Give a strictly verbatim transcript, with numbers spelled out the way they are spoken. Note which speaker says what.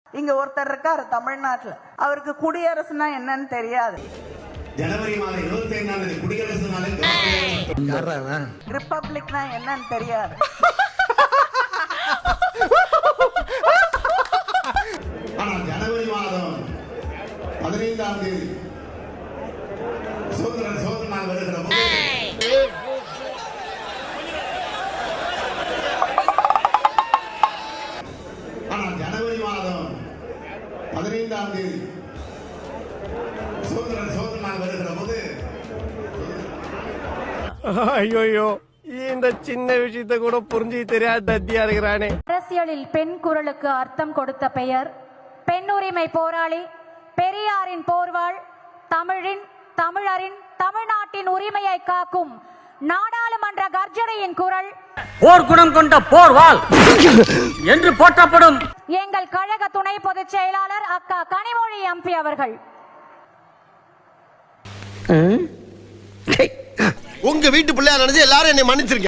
Speaker 1: இங்க ஒருத்தர் இருக்காரு தமிழ்நாட்டுல, அவருக்கு குடியரசுனா என்னன்னு தெரியாது.
Speaker 2: ஜனவரி மாதம் இருபத்தி ஐந்தாம் தேதி குடியரசு நாளில்
Speaker 1: ரிப்பப்ளிக்னா என்னன்னு தெரியாது.
Speaker 2: ஆனால் ஜனவரி மாதம் பதினைந்தாம் தேதி சுதந்திர சோதனை நாள் வருகிற போது ஆனால் ஜனவரி மாதம் பதினைந்தாம் தேதி சுதந்திர சோதனை நாள் வருகிற போது
Speaker 3: ஐயோ இந்த சின்ன விஷயத்தை கூட புரிஞ்சு தெரியாத தத்தியா இருக்கிறானே.
Speaker 4: அரசியலில் பெண் குரலுக்கு அர்த்தம் கொடுத்த பெயர், பெண் உரிமை போராளி, பெரியாரின் போர்வாள், தமிழின் தமிழரின் தமிழ்நாட்டின் உரிமையை காக்கும் நாடாளுமன்ற கர்ஜனையின் குரல்,
Speaker 5: போர்க்குணம் கொண்ட போர்வாள் என்று போற்றப்படும்
Speaker 4: எங்கள் கழக துணை பொதுச் செயலாளர் அக்கா கனிமொழி எம்பி அவர்கள்.
Speaker 6: உங்க வீட்டு பிள்ளையா நினைச்சு எல்லாரும் என்னை மன்னிச்சிருக்கீங்க.